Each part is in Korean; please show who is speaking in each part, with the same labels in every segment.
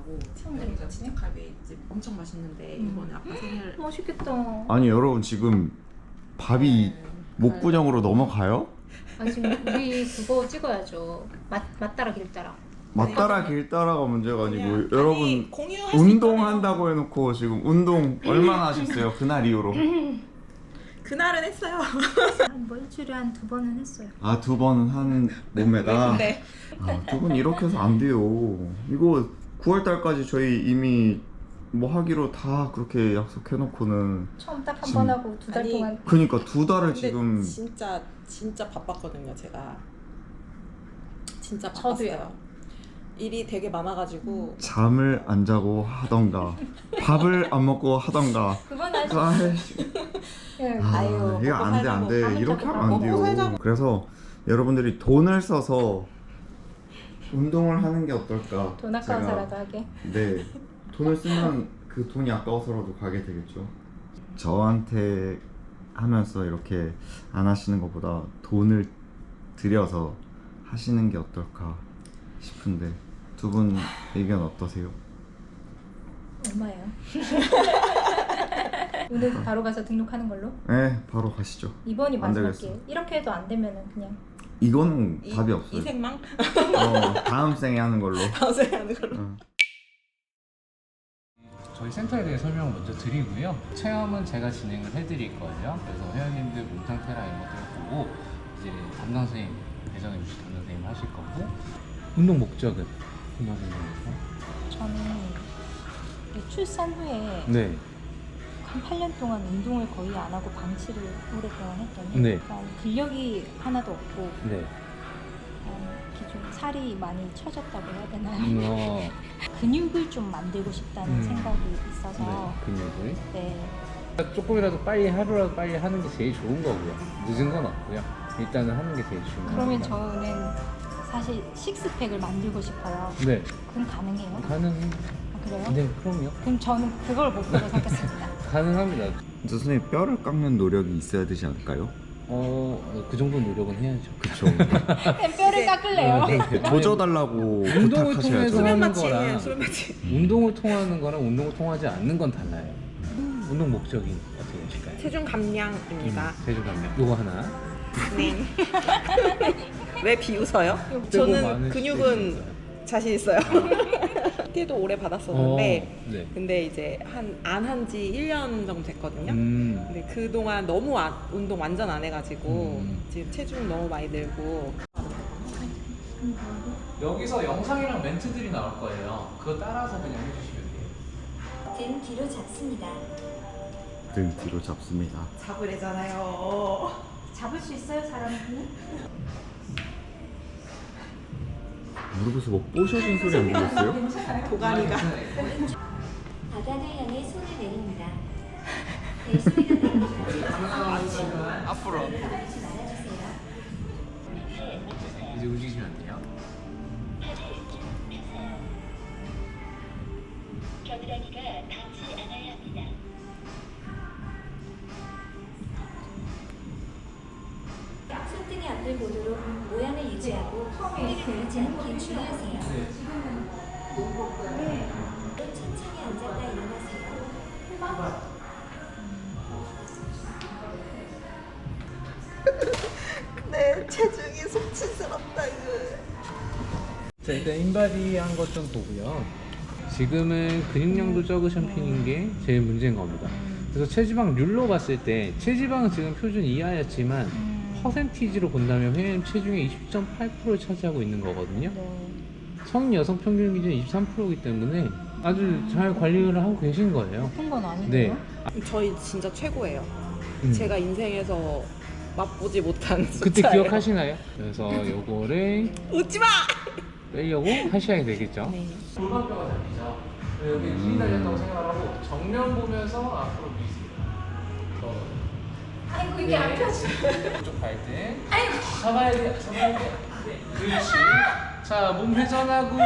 Speaker 1: 있다고 여기가 진해갈비집 엄청 맛있는데 이번에 아빠 생일
Speaker 2: 맛있겠다.
Speaker 3: 아니 여러분 지금 밥이 목구멍으로 넘어가요?
Speaker 2: 아니 지금 우리 그거 찍어야죠. 맞따라 길따라.
Speaker 3: 맞따라 길따라가 문제가 아니고 여러분
Speaker 1: 공유할 수
Speaker 3: 운동한다고 해놓고 지금 운동 얼마나 하셨어요? 그날 이후로?
Speaker 1: 그날은 했어요.
Speaker 2: 뭐 일주일에 한 2번은 했어요.
Speaker 3: 아 2번은 한 몸매다?
Speaker 1: 네.
Speaker 3: 아, 2번 이렇게 해서 안 돼요. 이거 9월달까지 저희 이미 뭐 하기로 다 그렇게 약속해놓고는
Speaker 2: 처음 딱 한
Speaker 3: 지금-
Speaker 2: 번 하고 2달
Speaker 1: 아니,
Speaker 2: 동안.
Speaker 3: 그니까 2달을
Speaker 1: 근데
Speaker 3: 지금
Speaker 1: 진짜 바빴거든요. 제가 진짜
Speaker 2: 저도요.
Speaker 1: 바빴어요. 일이 되게 많아가지고
Speaker 3: 잠을 안 자고 하던가 밥을 안 먹고 하던가
Speaker 2: 그건 아직.
Speaker 3: 아이씨.
Speaker 2: 예.
Speaker 1: 아유,
Speaker 3: 이거
Speaker 1: 먹고
Speaker 3: 안 돼
Speaker 1: 살자고.
Speaker 3: 안 돼
Speaker 2: 밤을
Speaker 3: 이렇게
Speaker 2: 자고
Speaker 3: 하면 안
Speaker 1: 먹고
Speaker 3: 돼요.
Speaker 1: 살자고.
Speaker 3: 그래서 여러분들이 돈을 써서 운동을 하는 게 어떨까?
Speaker 2: 돈 아까워서라도 하게.
Speaker 3: 네, 돈을 쓰면 그 돈이 아까워서라도 가게 되겠죠. 저한테 하면서 이렇게 안 하시는 것보다 돈을 들여서 하시는 게 어떨까 싶은데 두 분 의견 어떠세요?
Speaker 2: 얼마예요? 오늘 바로 가서 등록하는 걸로?
Speaker 3: 네, 바로 가시죠.
Speaker 2: 이번이
Speaker 3: 안
Speaker 2: 마지막
Speaker 3: 되겠어.
Speaker 2: 기회. 이렇게 해도 안 되면은 그냥
Speaker 3: 이거는 답이 없어요.
Speaker 1: 이생망
Speaker 3: 다음 생에 하는 걸로.
Speaker 1: 방송하는 걸로.
Speaker 4: 저희 센터에 대해 설명을 먼저 드리고요. 체험은 제가 진행을 해드릴 거예요. 그래서 회원님들 몸 상태랑 이런 것들을 보고 이제 담당 선생님, 배정해 주실 담당 선생님 하실 거고 운동 목적은 담당 선생님이요?
Speaker 2: 저는 이 출산 후에
Speaker 4: 네.
Speaker 2: 한 8년 동안 운동을 거의 안 하고 방치를 오랫동안 했더니
Speaker 4: 네.
Speaker 2: 일단 근력이 하나도 없고
Speaker 4: 네.
Speaker 2: 기존 살이 많이 처졌다고 해야 되나요? 근육을 좀 만들고 싶다는 생각이 있어서
Speaker 4: 네. 근육을.
Speaker 2: 네.
Speaker 4: 조금이라도 빨리 하루라도 빨리 하는 게 제일 좋은 거고요. 늦은 건 없고요. 일단은 하는 게 제일 중요해요.
Speaker 2: 그러면 저는 사실 식스팩을 만들고 싶어요.
Speaker 4: 네.
Speaker 2: 그럼 가능해요?
Speaker 4: 가능.
Speaker 2: 아, 그래요?
Speaker 4: 네, 그럼요.
Speaker 2: 그럼 저는 그걸 목표로 삼겠습니다.
Speaker 4: 가능합니다.
Speaker 3: 선생님 뼈를 깎는 노력이 있어야 되지 않을까요?
Speaker 4: 그 정도 노력은 해야죠.
Speaker 3: 그쵸.
Speaker 2: 뼈를 깎을래요?
Speaker 4: 네.
Speaker 3: 조져달라고
Speaker 4: 운동을 통해서
Speaker 3: 부탁하셔야죠.
Speaker 4: 하는
Speaker 1: 마취예요.
Speaker 4: 거랑
Speaker 1: 수면 마취.
Speaker 4: 운동을 통하는 거랑 운동을 통하지 않는 건 달라요. 운동 목적이 어떻게 되실까요?
Speaker 1: 체중 감량입니다.
Speaker 4: 체중 감량. 요거 하나.
Speaker 1: 네. 왜 비웃어요?
Speaker 4: 빼고
Speaker 1: 저는
Speaker 4: 많은
Speaker 1: 근육은
Speaker 4: 시대가
Speaker 1: 자신 있어요. PT도 오래 받았었는데
Speaker 4: 네.
Speaker 1: 근데 이제 안 한 지 1년 정도 됐거든요. 근데 그동안 너무 운동 완전 안 해가지고 지금 체중 너무 많이 늘고.
Speaker 4: 여기서 영상이랑 멘트들이 나올 거예요. 그거 따라서 그냥 해주시면 돼요.
Speaker 5: 등 뒤로 잡습니다.
Speaker 3: 등 뒤로 잡습니다.
Speaker 1: 잡으래잖아요.
Speaker 2: 잡을 수 있어요, 사람은?
Speaker 3: 무릎에서 뭐 뽀셔진 소리 안 들렸어요?
Speaker 1: 도가니가.
Speaker 5: 바닥을 향해 손을 내립니다. 네, 소리가 나옵니다.
Speaker 4: 앞으로.
Speaker 5: 하지 말아주세요.
Speaker 4: 이제 움직이시면 돼요.
Speaker 5: 겨드랑이가 닿지 않아야 합니다. 손등이 앞을 보도록 모양을 유지하고 허리를 돌리지 않게 주의하세요. 천천히 앉았다 일어나세요.
Speaker 1: 내 체중이 속치스럽다 이거.
Speaker 4: 자, 일단 인바디 한 것 좀 보고요. 지금은 근육량도 적으신 편인 게 제일 문제인 겁니다. 그래서 체지방률로 봤을 때 체지방은 지금 표준 이하였지만 퍼센티지로 본다면 회원님 체중의 20.8%를 차지하고 있는 거거든요. 성인 여성 평균 기준 23%이기 때문에 아주 잘 관리를 하고 계신 거예요.
Speaker 2: 높은 건
Speaker 4: 네.
Speaker 2: 아니고요.
Speaker 1: 저희 진짜 최고예요.
Speaker 4: 음.
Speaker 1: 제가 인생에서 맛보지 못한
Speaker 4: 그때
Speaker 1: 숫자예요.
Speaker 4: 기억하시나요? 그래서 요거를
Speaker 1: 웃지 마.
Speaker 4: 빼려고 하셔야 되겠죠.
Speaker 2: 네.
Speaker 4: 골반뼈가 잡히죠. 여기 힘이 달렸다고 생각하고 정면 보면서 앞으로 미세요.
Speaker 2: 아이고 이게 안 펴지.
Speaker 4: 쪽 발등. 잡아야 돼. 잡아야 돼. 그렇지. 자, 몸 회전하고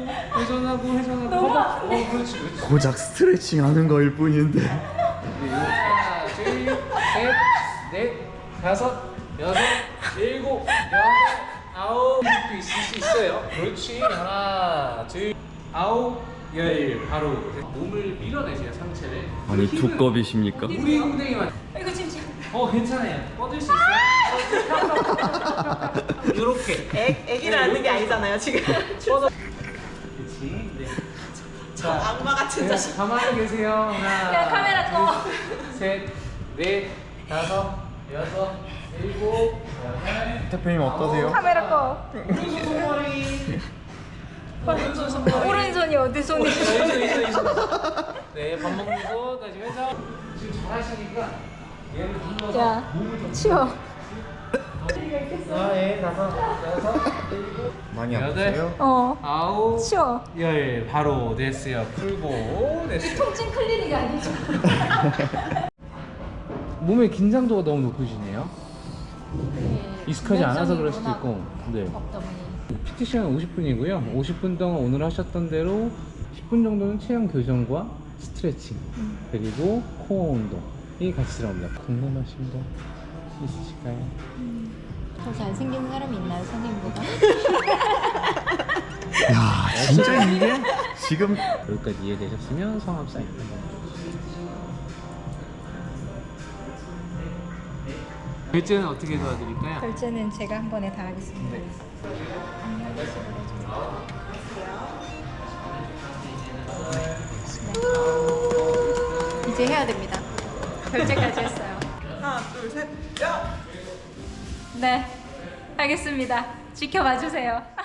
Speaker 4: 허벅. 그렇지.
Speaker 3: 고작 스트레칭 하는 거일 뿐인데.
Speaker 4: 하나, 둘, 셋, 넷, 다섯, 여섯, 일곱, 여덟, 아홉. 도 있을 수 있어요. 그렇지. 하나, 둘, 아홉, 열 바로 몸을 밀어내세요 상체를.
Speaker 3: 아니
Speaker 4: 힘을-
Speaker 3: 두꺼비십니까?
Speaker 4: 우리 엉덩이만.
Speaker 2: 이거 진짜.
Speaker 4: 괜찮아요. 뻗을 수 있어요. 이렇게.
Speaker 1: 애기를 앉는 게 아니잖아요 지금.
Speaker 4: 그렇지. 네. 자,
Speaker 1: 악마 같은 자식.
Speaker 4: 가만히 계세요. 하나,
Speaker 2: 야, 카메라 꺼.
Speaker 4: 둘, 셋, 넷, 다섯, 여섯, 일곱, 여덟.
Speaker 3: 대표님 어떠세요?
Speaker 2: 카메라 꺼.
Speaker 4: 오른손 손머리. 오른손 손머리.
Speaker 2: 오른손이 어디 손이?
Speaker 4: 네, 밥 먹는 거 다시 해서 지금 잘하시니까 얘를 눌러서
Speaker 2: 야,
Speaker 4: 몸을 좀
Speaker 2: 치워.
Speaker 4: 예, 다섯, 여섯, 일곱,
Speaker 3: 많이
Speaker 4: 여덟.
Speaker 3: 아프세요?
Speaker 4: 아홉,
Speaker 2: 치워.
Speaker 4: 열 바로 됐어요. 풀고 됐어요.
Speaker 2: 통증 클리닉 아니죠?
Speaker 4: 몸의 긴장도가 너무 높으시네요.
Speaker 2: 네,
Speaker 4: 익숙하지 않아서 그럴 수도
Speaker 2: 워낙
Speaker 4: 있고. 네.
Speaker 2: 없다 보니.
Speaker 4: PT 시간 50분이고요. 50분 동안 오늘 하셨던 대로 10분 정도는 체형 교정과 스트레칭 그리고 코어 운동이 같이 들어갑니다. 궁금하신 거 있으실까요?
Speaker 2: 더 잘생긴 사람이 있나요, 선생님보다?
Speaker 3: 야 진짜 이게 지금
Speaker 4: 여기까지 이해되셨으면 성함 사인 결제는 어떻게 도와드릴까요?
Speaker 2: 결제는 제가 한 번에 다 하겠습니다. 네. 이제 해야 됩니다. 결제까지 했어요.
Speaker 1: 하나 둘 셋. 야.
Speaker 2: 네, 알겠습니다. 지켜봐 주세요.